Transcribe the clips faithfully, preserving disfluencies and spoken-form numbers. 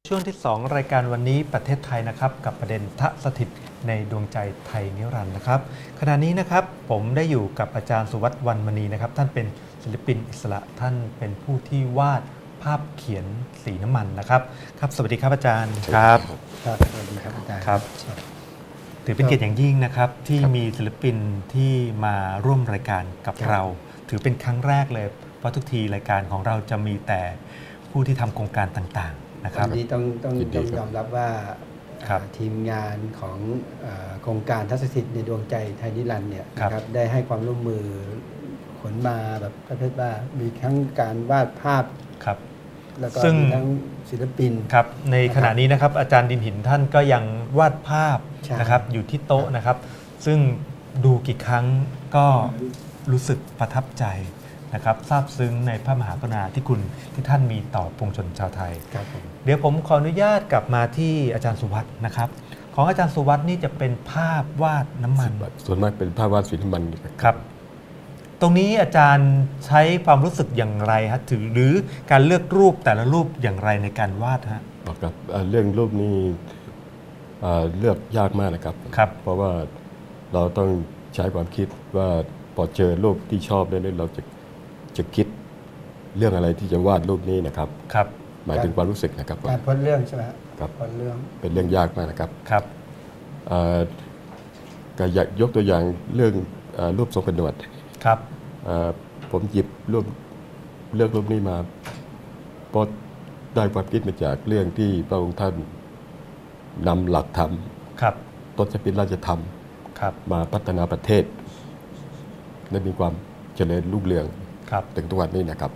ช่วงที่สองรายการวันนี้ประเทศไทยนะครับกับประเด็นทะสถิตในดวงใจไทยนิรันดร์นะครับขณะนี้นะครับผมได้อยู่กับอาจารย์สุวัฒน์วรรณมณีนะครับท่านเป็นศิลปินอิสระท่านเป็นผู้ที่วาดภาพเขียนสีน้ำมันนะครับครับสวัสดีครับอาจารย์ครับครับสวัสดีครับอาจารย์ครับถือเป็นเกียรติอย่างยิ่งนะครับที่มีศิลปินที่มาร่วมรายการกับเราถือเป็นครั้งแรกเลยเพราะทุกทีรายการของเราจะมีแต่ผู้ที่ทำโครงการต่างๆนะครับวันนี้ต้องต้องต้องยอมรับว่าทีมงานของโครงการทัศนศิษย์ในดวงใจไทยนิรันดร์เนี่ยนะครับได้ให้ความร่วมมือขนมาแบบประเภทว่ามีทั้งการวาดภาพครับแล้วก็มีทั้งศิลปินครับในขณะนี้นะครับอาจารย์ดินหินท่านก็ยังวาดภาพนะครับอยู่ที่โต๊ะนะครับซึ่งดูกี่ครั้งก็รู้สึกประทับใจนะครับซาบซึ้งในพระมหากรุณาธิคุณที่ท่านมีต่อปวงชนชาวไทยเดี๋ยวผมขออนุญาตกลับมาที่อาจารย์สุวัฒน์นะครับของอาจารย์สุวัฒน์นี่จะเป็นภาพวาดน้ำมันส่วนมากเป็นภาพวาดสีน้ำมันครับตรงนี้อาจารย์ใช้ความรู้สึกอย่างไรฮะถือหรือการเลือกรูปแต่ละรูปอย่างไรในการวาดฮะครับเรื่องรูปนี้เลือกยากมากนะครับครับเพราะว่าเราต้องใช้ความคิดว่าพอเจอรูปที่ชอบเนี่ยเราจะจะคิดเรื่องอะไรที่จะวาดรูปนี้นะครับครับหมายถึงความรู้สึกนะครับการพ้นเรื่องใช่ไหมครับพ้นเรื่องเป็นเรื่องยากมากนะครับครับก็อยากยกตัวอย่างเรื่องรูปทรงกระหนวดครับผมหยิบรูปเลือกรูปนี้มาเพราะได้ความคิดมาจากเรื่องที่พระองค์ท่านนำหลักธรรมต้นฉบับราชธรรมมาพัฒนาประเทศและมีความเจริญรุ่งเรืองถึงทุกวันนี้นะครับ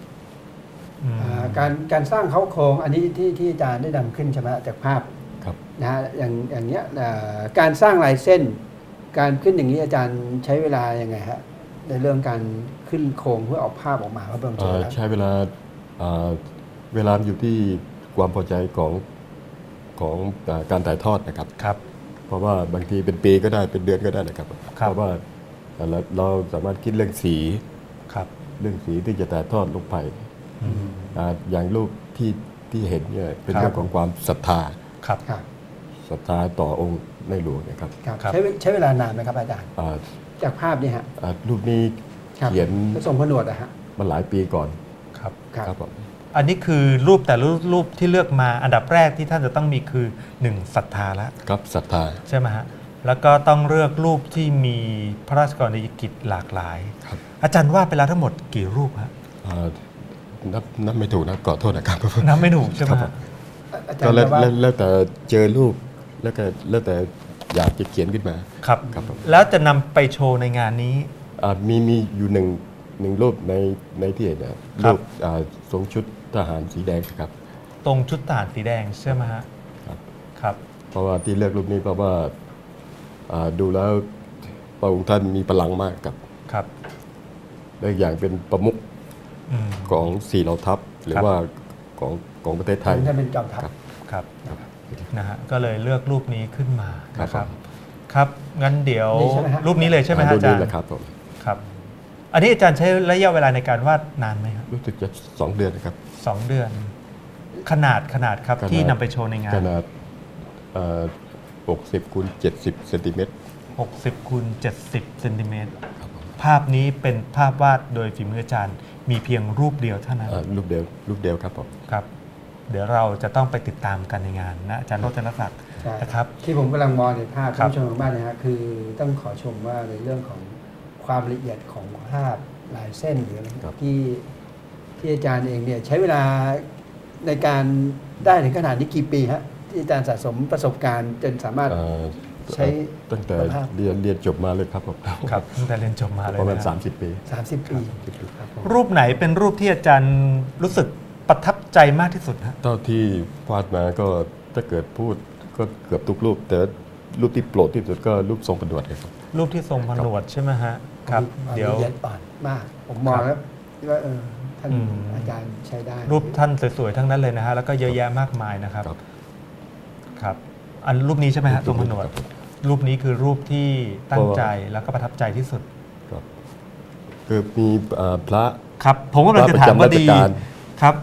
การการสร้างเขาโครงอันนี้ที่ที่อาจารย์ได้นำขึ้นใช่ไหมจากภาพนะฮะอย่างอย่างเนี้ยการสร้างลายเส้นการขึ้นอย่างนี้อาจารย์ใช้เวลายังไงฮะในเรื่องการขึ้นโครงเพื่อออกภาพออกมาพระบรมฉายาลักษณ์ใช้เวลาเวลาอยู่ที่ความพอใจของของการถ่ายทอดนะครับครับเพราะว่าบางทีเป็นปีก็ได้เป็นเดือนก็ได้นะครับเพราะว่าเราสามารถคิดเรื่องสีเรื่องสีที่จะถ่ายทอดลงไปอย่างรูปที่ที่เห็นเนี่ยเป็นเรื่องของความศรัทธาศรัทธาต่อองค์ในหลวงนะครับใช้ใช้เวลานานไหมครับอาจารย์จากภาพนี้ฮะรูปนี้เขียนทรงผนวดอะฮะมาหลายปีก่อนครับครับผมอันนี้คือรูปแต่ละรูปที่เลือกมาอันดับแรกที่ท่านจะต้องมีคือหนึ่งศรัทธาแล้วครับศรัทธาใช่ไหมฮะแล้วก็ต้องเลือกรูปที่มีพระราชกรณียกิจหลากหลายอาจารย์วาดไปแล้วทั้งหมดกี่รูปฮะนับนับไม่ถูกนะขอโทษนะครับนับไม่ถูกใช่ไหมครับก็แล้วแล้วแต่เจอรูปแล้วก็แล้วแต่อยากจะเขียนขึ้นมาครับแล้วจะนำไปโชว์ในงานนี้มีมีอยู่หนึ่งหนึ่งรูปในในที่เห็นนะรูปทรงชุดทหารสีแดงครับตรงชุดทหารสีแดงใช่ไหมฮะครับครับเพราะว่าที่เลือกรูปนี้เพราะว่าดูแล้วพระองค์ท่านมีพลังมากครับครับและอย่างเป็นประมุขของสี่เหล่าทัพหรือว่าของของประเทศไทยท่านเป็นจอมทัพครับนะฮะก็เลยเลือกรูปนี้ขึ้นมานะครับครับงั้นเดี๋ยวรูปนี้เลยใช่ไหมอาจารย์ครับผมครับอันนี้อาจารย์ใช้ระยะเวลาในการวาดนานไหมครับรู้สึกจะสองเดือนนะครับสองเดือนขนาดขนาดครับที่นำไปโชว์ในงานขนาดหกสิบคูณเจ็ดสิบเซนติเมตรหกสิบคูณเจ็ดสิบเซนติเมตรภาพนี้เป็นภาพวาดโดยฝีมืออาจารย์มีเพียงรูปเดียวเท่านั้นรูปเดียวรูปเดียวครับผมครับเดี๋ยวเราจะต้องไปติดตามกันในงานนะอาจารย์โรจนศักดิ์นะครับที่ผมกำลังมองในภาพท่านผู้ชมทางบ้านนะฮะคือต้องขอชมว่าในเรื่องของความละเอียดของภาพลายเส้นหรืออะไรที่ที่อาจารย์เองเนี่ยใช้เวลาในการได้ถึงขนาดนี้กี่ปีฮะที่อาจารย์สะสมประสบการณ์จนสามารถใช้ตั้งแต่เรียนเรียนจบมาเลยครับผมครับตั้งแต่เรียนจบมาเลยประมาณสามสิบปีสามสิบปีรูปไหนเป็นรูปที่อาจารย์รู้สึกประทับใจมากที่สุดฮะเท่าที่วาดมาก็ถ้าเกิดพูดก็เกือบทุกรูปแต่รูปที่โปรดที่สุดก็รูปทรงผนวดครับรูปที่ทรงผนวดใช่ไหมฮะครับเดี๋ยวละเอียดอ่อนมากผมมองแล้วว่าเออท่านอาจารย์ใช้ได้รูปท่านสวยๆทั้งนั้นเลยนะฮะแล้วก็เยอะแยะมากมายนะครับครับอันรูปนี้ใช่ไหมฮะทรงผนวดรูปนี้คือรูปที่ตั้งใจแล้วก็ประทับใจที่สุดคือมีพระครับผมก็เลยจะถามว่าดีครับพ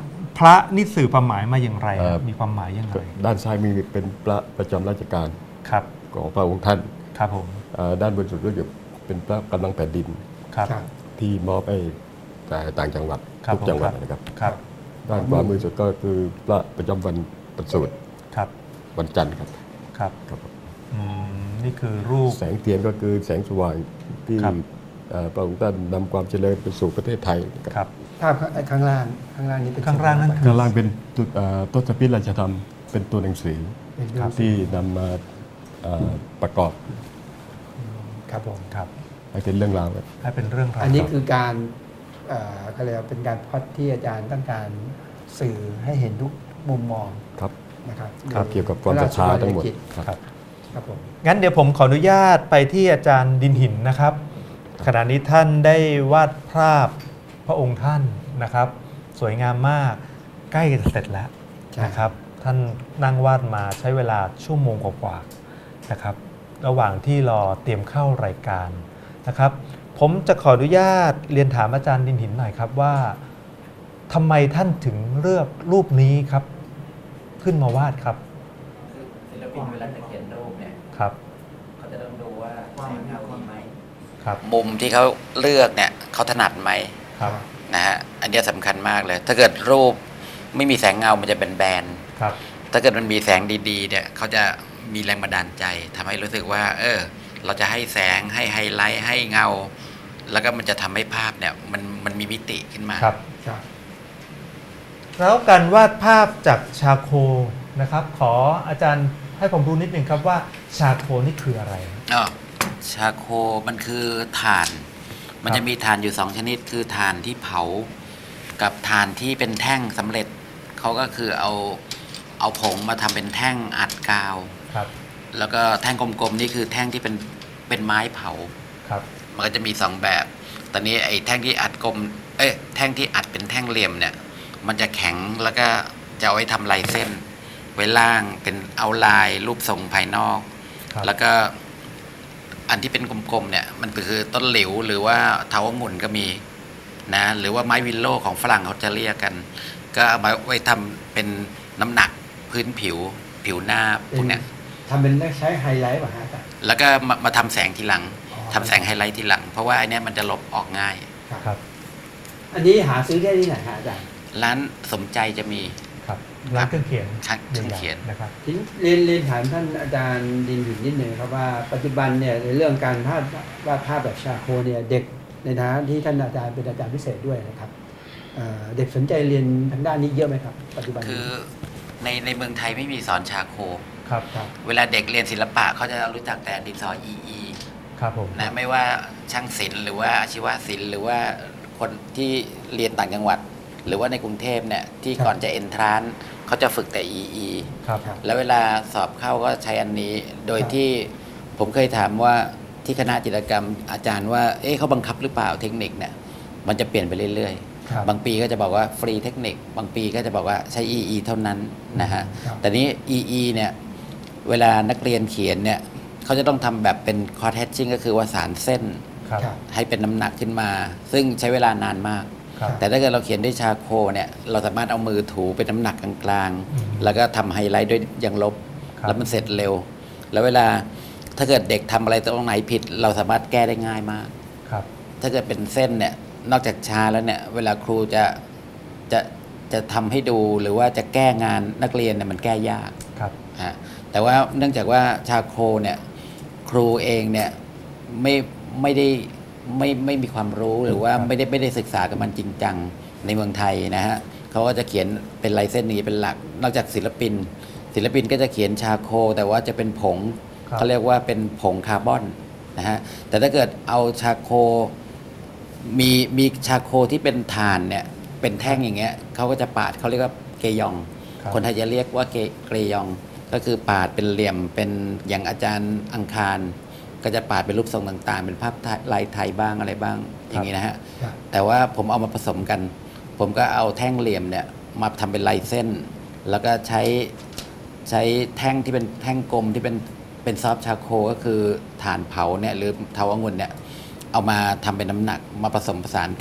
ระนี่สื่อความหมายมาอย่างไรเอ่อมีความหมายอย่างไรด้านซ้ายมีเป็นพระประจำราชการครับของพระองค์ท่านครับผมเอ่อด้านบนสุดก็จะเป็นพระกำลังแผ่นดินครับครับที่มอบให้แต่ต่างจังหวัดครับทุกจังหวัดผมครับนะครับครับด้านขวามือสุดก็คือพระประจำวันประสูติครับวันจันทร์ครับครับครับอืมนี่คือรูปแสงเทียนก็คือแสงสว่างที่ครับเอ่อพระองค์ท่านนำความเจริญไปสู่ประเทศไทยนะครับครับภาพข้างล่างข้างล่างนี้เป็นข้างล่างนั่นคือข้างล่างเป็นตัวเอ่อต้นฉบับราชธรรมเป็นตัวหนังสือเป็นเรื่องที่นำมาเอ่อประกอบครับผมครับให้เป็นเรื่องราวครับให้เป็นเรื่องราวอันนี้คือการเอ่อเขาเรียกว่าเป็นการพล็อตที่อาจารย์ต้องการสื่อให้เห็นทุกมุมมองครับนะครับครับเกี่ยวกับความศรัทธาทั้งหมดครับครับครับผมงั้นเดี๋ยวผมขออนุญาตไปที่อาจารย์ดินหินนะครับ ขณะนี้ท่านได้วาดภาพพระองค์ท่านนะครับ สวยงามมากใกล้จะเสร็จแล้วนะครับ ท่านนั่งวาดมาใช้เวลาชั่วโมงกว่าๆนะครับ ระหว่างที่รอเตรียมเข้ารายการนะครับ ผมจะขออนุญาตเรียนถามอาจารย์ดินหินหน่อยครับว่าทำไมท่านถึงเลือกรูปนี้ครับขึ้นมาวาดครับคือศิลปินเวลาจะเขียนรูปเนี่ยครับเขาจะต้องดูว่าแสงเงาดีไหมครับมุมที่เขาเลือกเนี่ยเขาถนัดไหมครับนะฮะอันเนี้ยสำคัญมากเลย ถ้าเกิดรูปไม่มีแสงเงามันจะเป็นแบนครับถ้าเกิดมันมีแสงดีๆเนี่ยเขาจะมีแรงบันดาลใจทำให้รู้สึกว่า เออ เราจะให้แสงให้ไฮไลท์ให้เงา แล้วก็มันจะทำให้ภาพเนี่ยมันมันมีมิติขึ้นมาครับครับแล้วการวาดภาพจากชาโคนะครับ ขออาจารย์ให้ผมรู้นิดหนึ่งครับว่าชาโคนี่คืออะไรอ๋อชาโคมันคือถ่าน มันครับจะมีถ่านอยู่สองชนิด คือถ่านที่เผา กับถ่านที่เป็นแท่งสำเร็จ เขาก็คือเอาเอาผงมาทำเป็นแท่งอัดกาวครับแล้วก็แท่งกลมๆนี่คือแท่งที่เป็นเป็นไม้เผาครับมันก็จะมีสองแบบ ตอนนี้ไอ้แท่งที่อัดกลม เอ้ยแท่งที่อัดเป็นแท่งเหลี่ยมเนี่ย มันจะแข็งแล้วก็จะเอาไว้ทำลายเส้น ไว้ล่างเป็นเอาลายรูปทรงภายนอกครับแล้วก็อันที่เป็นกลมๆเนี่ยมันคือต้นหลิวหรือว่าเถาองุ่นก็มีนะหรือว่าไม้วิลโลของฝรั่งเขาจะเรียกกัน ก็เอามาไว้ทำเป็นน้ำหนักพื้นผิวผิวหน้าพวกเนี้ยทำเป็นใช้ไฮไลท์ป่ะฮะอาจารย์แล้วก็มามาทำแสงทีหลังอ๋อทำแสงไฮไลท์ทีหลัง เพราะว่าอันเนี้ยมันจะลบออกง่ายครับอันนี้หาซื้อได้ที่ไหนฮะอาจารย์ร้านสมใจจะมีครับร้านเครื่องเขียนครับเครื่องเขียนใหญ่ๆนะครับทีนี้เรียนเรียนถามท่านอาจารย์ดินหินนิดหนึ่งครับว่าปัจจุบันเนี่ยในเรื่องการภาพวาดภาพแบบชาโคเนี่ยเด็กในฐานะที่ท่านอาจารย์เป็นอาจารย์พิเศษด้วยนะครับเอ่อเด็กสนใจเรียนทางด้านนี้เยอะไหมครับ ปัจจุบันคืนี้อในในเมืองไทยไม่มีสอนชาโคครับครับเวลาเด็กเรียนศิลปะเขาจะรู้จักแต่ดินสออีอีครับผมนะไม่ว่าช่างศิลป์หรือว่าอาชีวศิลป์หรือว่าคนที่เรียนต่างจังหวัด หรือว่าในกรุงเทพเนี่ยที่ก่อนจะเอนทรานเขาจะฝึกแต่อีอีครับครับแล้วเวลาสอบเข้าก็ใช้อันนี้ โดยที่ผมเคยถามว่าที่คณะจิตรกรรมอาจารย์ว่าเอ๊ะเขาบังคับหรือเปล่าเทคนิคเนี่ยมันจะเปลี่ยนไปเรื่อยครับๆ บางปีก็จะบอกว่าฟรีเทคนิค บางปีก็จะบอกว่าใช้ อี อี เท่านั้นนะฮะครับแต่นี้ อี อี เนี่ยเวลานักเรียนเขียนเนี่ยเขาจะต้องทำแบบเป็นคอร์ h ฮ t ชิ่งก็คือว่าสารเส้นครับครับให้เป็นน้ำหนักขึ้นมา ซึ่งใช้เวลานานมากครับแต่ถ้าเกิดเราเขียนด้วยชาโคเนี่ยเราสามารถเอามือถูเป็นน้ำหนักกลางอืมๆ แล้วก็ทำไฮไลท์ด้วยยางลบครับแล้วมันเสร็จเร็ว แล้วเวลาถ้าเกิดเด็กทำอะไรตรงไหนผิด เราสามารถแก้ได้ง่ายมากครับถ้าเกิดเป็นเส้นเนี่ยนอกจากชาแล้วเนี่ยเวลาครูจะจะจะทำให้ดูหรือว่าจะแก้งานนักเรียนเนี่ยมันแก้ยากครับฮะแต่ว่าเนื่องจากว่าชาโคเนี่ยครูเองเนี่ยไม่ไม่ได้ไม่ไม่มีความรู้หรือว่าครับไม่ได้ไม่ได้ศึกษากับมันจริงจังในเมืองไทยนะฮะเขาก็จะเขียนเป็นลายเส้นนี้เป็นหลัก นอกจากศิลปิน ศิลปินก็จะเขียนชาโค แต่ว่าจะเป็นผงครับเขาเรียกว่าเป็นผงคาร์บอนนะฮะแต่ถ้าเกิดเอาชาโคมีมีชาโคที่เป็นถ่านเนี่ยเป็นแท่งอย่างเงี้ยเขาก็จะปาดเขาเรียกว่าเกยองครับคนไทยจะเรียกว่าเกเกรยอง ก็คือปาดเป็นเหลี่ยมเป็นอย่างอาจารย์อังคาร ก็จะปาดเป็นรูปทรงต่างๆ เป็นภาพไทยลายไทยบ้างอะไรบ้างอย่างนี้นะฮะครับแต่ว่าผมเอามาผสมกัน ผมก็เอาแท่งเหลี่ยมเนี่ยมาทำเป็นลายเส้น แล้วก็ใช้ใช้แท่งที่เป็นแท่งกลมที่เป็นเป็นซอฟต์ชาโคก็คือถ่านเผาเนี่ยหรือเทาองุ่นเนี่ยเอามาทำเป็นน้ำหนักมาผสมผสานกัน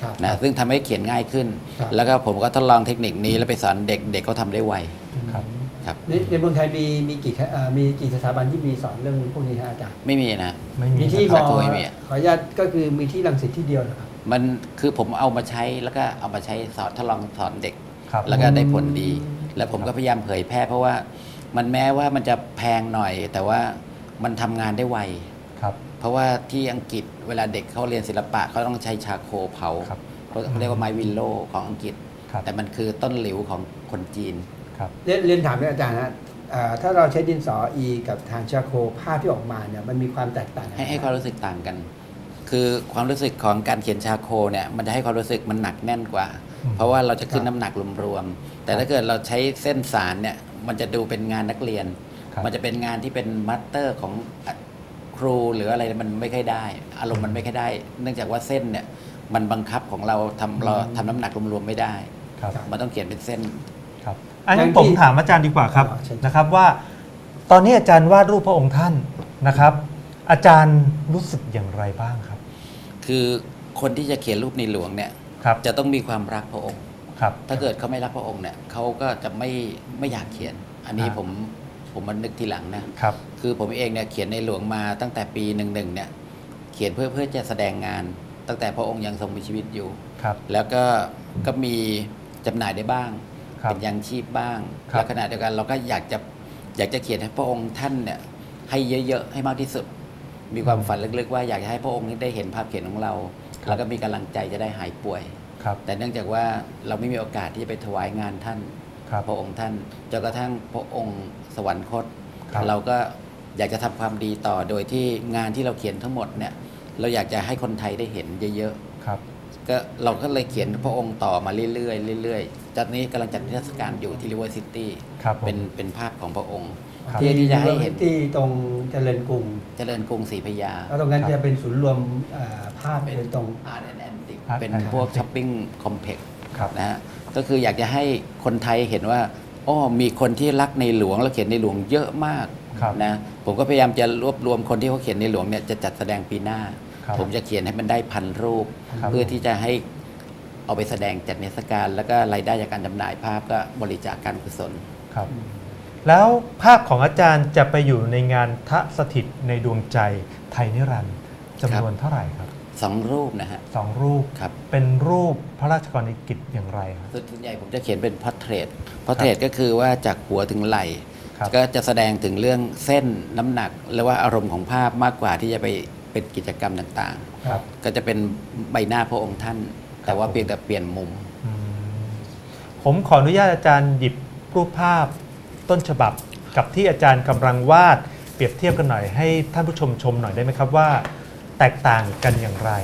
ครับนะซึ่งทำให้เขียนง่ายขึ้นครับแล้วก็ผมก็ทดลองเทคนิคนี้แล้วไปสอนเด็กเด็กเขาทำได้ไวครับครับในในเมืองไทยมีมีกี่เอ่อมีกี่สถาบันที่มีสอนเรื่องพวกนี้ฮะอาจารย์ไม่มีนะไม่มีมีที่มครัอบตัวไม่มีขออนุญาตก็คือมีที่รังสิตที่เดียวนะครับมันคือผมเอามาใช้แล้วก็เอามาใช้สอนทดลองสอนเด็กครับแล้วก็ได้ผลดี แล้วผมก็พยายามเผยแพร่เพราะว่ามันแม้ว่ามันจะแพงหน่อย แต่ว่ามันทำงานได้ไวครับเพราะว่าที่อังกฤษเวลาเด็กเขาเรียนศิลปะเขาต้องใช้ชาโคเผาครับเขาเรียกว่าไมวิลโลของอังกฤษครับแต่มันคือต้นหลิวของคนจีนครับเรียนเรียนถามอาจารย์ฮะเอ่อถ้าเราใช้ดินสออีกับทางชาโคภาพที่ออกมาเนี่ยมันมีความแตกต่างกันให้ให้ความรู้สึกต่างกัน คือความรู้สึกของการเขียนชาโคเนี่ยมันจะให้ความรู้สึกมันหนักแน่นกว่าอืมเพราะว่าเราจะขึ้นน้ำหนักรวมๆแต่ถ้าเกิดเราใช้เส้นสารเนี่ยมันจะดูเป็นงานนักเรียนครับมันจะเป็นงานที่เป็นมัตเตอร์ของครูหรืออะไรมันไม่ค่อยได้ อารมณ์มันไม่ค่อยได้ เนื่องจากว่าเส้นเนี่ยมันบังคับของเราทำเราทำน้ำหนักรวมๆไม่ได้ครับมันต้องเขียนเป็นเส้นครับอันนี้ผมถามอาจารย์ดีกว่าครับนะครับว่า ตอนนี้อาจารย์วาดรูปพระองค์ท่านนะครับ อาจารย์รู้สึกอย่างไรบ้างครับคือคนที่จะเขียนรูปในหลวงเนี่ยครับจะต้องมีความรักพระองค์ครับถ้าเกิดเขาไม่รักพระองค์เนี่ยเขาก็จะไม่ไม่อยากเขียน อันนี้อ่าผมผมมันนึกทีหลังนะครับ คือผมเองเนี่ยเขียนในหลวงมาตั้งแต่ปีหนึ่งหนึ่งเนี่ยเขียนเพื่อเพื่อจะแสดงงาน ตั้งแต่พระองค์ยังทรงมีชีวิตอยู่ครับแล้วก็ก็มีจำหน่ายได้บ้างครับเป็นยังชีพบ้างครับและขณะเดียวกันเราก็อยากจะอยากจะเขียนให้พระองค์ท่านเนี่ยให้เยอะๆให้มากที่สุด มีความฝันลึกๆว่าอยากจะให้พระองค์ได้เห็นภาพเขียนของเรา แล้วก็มีกำลังใจจะได้หายป่วยครับแต่เนื่องจากว่าเราไม่มีโอกาสที่จะไปถวายงานท่านครับพระองค์ท่านจนกระทั่งพระองค์สวรรคตครับเราก็อยากจะทำความดีต่อโดยที่งานที่เราเขียนทั้งหมดเนี่ยเราอยากจะให้คนไทยได้เห็นเยอะครับๆก็เราก็เลยเขียนพระองค์ต่อมาเรื่อยๆเรื่อยๆจากนี้กำลังจัดนิทรรศการอยู่ที่ริเวอร์ซิตี้ครับผมเป็นเป็นภาพของพระองค์ครับเพื่อที่จะให้เห็นที่ตรงเจริญกรุงเจริญกรุงศรีพระยาแล้วตรงนั้นจะเป็นศูนย์รวมเอ่อภาพเป็นเป็นตรงอาร์ตแอนด์แอนติก Art เป็น and พวก Antique ช้อปปิ้งคอมเพล็กซ์ครับนะฮะก็คืออยากจะให้คนไทยเห็นว่าอ้อมีคนที่รักในหลวงและเขียนในหลวงเยอะมากครับนะผมก็พยายามจะรวบรวมคนที่เขาเขียนในหลวงเนี่ยจะจัดแสดงปีหน้าครับผมจะเขียนให้มันได้พันรูปครับเพื่อที่จะให้เอาไปแสดงจัดนิทรรศการ แล้วก็รายได้จากการจำหน่ายภาพก็บริจาคการกุศลครับ แล้วภาพของอาจารย์จะไปอยู่ในงานทะสถิตในดวงใจไทยนิรันดร์จำนวนเท่าไหร่ครับสองรูปนะฮะสองรูปครับเป็นรูปพระราชกรณียกิจอย่างไรครับส่วนใหญ่ผมจะเขียนเป็นพอร์เทรตพอร์เทรตก็คือว่าจากหัวถึงไหล่ครับก็จะแสดงถึงเรื่องเส้นน้ำหนักหรือว่าอารมณ์ของภาพมากกว่าที่จะไปเป็นกิจกรรมต่างครับๆ ก็จะเป็นใบหน้าพระองค์ท่าน แต่ว่าเพียงแต่เปลี่ยนมุมอืมผมขออนุญาตอาจารย์หยิบรูปภาพต้นฉบับกับที่อาจารย์กำลังวาดเปรียบเทียบกันหน่อยให้ท่านผู้ชมชมหน่อยได้ไหมครับว่า แตกต่างกันอย่างไร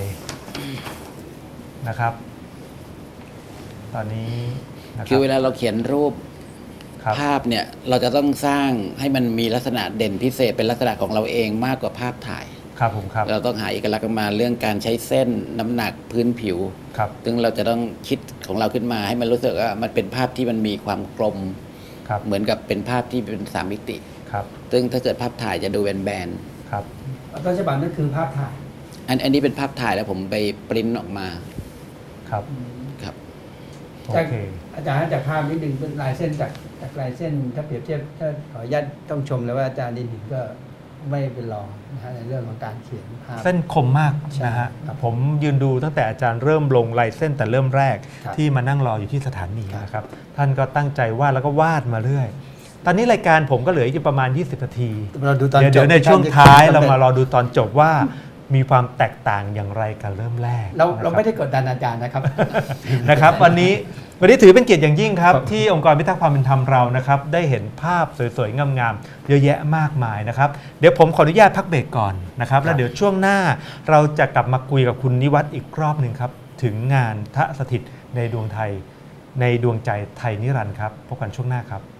นะครับ ตอนนี้นะคคืรัอบ เวลาเราเขียนรูปครับภาพเนี่ยเราจะต้องสร้างให้มันมีลักษณะเด่นพิเศษเป็นลักษณะของเราเองมากกว่าภาพถ่ายครับผมครับเราต้องหาเอกลักษณ์มาเรื่องการใช้เส้นน้ำหนักพื้นผิวครับซึ่งเราจะต้องคิดของเราขึ้นมาให้มันรู้สึกว่ามันเป็นภาพที่มันมีความกลมครับเหมือนกับเป็นภาพที่เป็นสามมิติครับซึ่งถ้าเกิดภาพถ่ายจะดูแบนครับต้นฉบับนั่นคือภาพถ่ายๆอันอันนี้เป็นภาพถ่ายแล้วผมไปปริ้นออกมาครับครับโอจากเคอาจารย์จากภาพนิดนึงเป็นลายเส้นจากจากลายเส้นถ้าเปรียบเทียบถ้าขออนุญาตต้องชมเลยว่าอาจารย์ดินหินก็ไม่เป็นรองนะฮะในเรื่องของการเขียนภาพเส้นคมมากใช่นะฮะครับผมยืนดูตั้งแต่อาจารย์เริ่มลงลายเส้นแต่เริ่มแรกครับที่มานั่งรออยู่ที่สถานีครับนะครับ ท่านก็ตั้งใจวาดแล้วก็วาดมาเรื่อย ตอนนี้รายการผมก็เหลืออีกประมาณ ยี่สิบ นาทีเราดูตอนเดี๋ยวจเดี๋ยบวในช่วงท้ายท่นเราจะมารอดูตอนจบว่ามีความแตกต่างอย่างไรกันเริ่มแรกเราเราไม่นะคบได้กดดันอาจารย์นะครับนะครับวันนี้วันนี้ถือเป็นเกียรติอย่างยิ่งครับครับที่องค์กรพิทักษ์ความเป็นธรรมเรานะครับได้เห็นภาพสวยๆงามๆเยอะแยะมากมายนะครับเดี๋ยวผมขออนุญาตพักเบรกก่อนนะครับแล้วเดี๋ยวช่วงหน้าเราจะกลับมาคุยกับคุณนิวัฒน์อีกรอบหนึ่งครับถึงงานทะสถิตในดวงไทยในดวงใจไทยนิรันดร์ครับพบกันช่วงหน้าครับ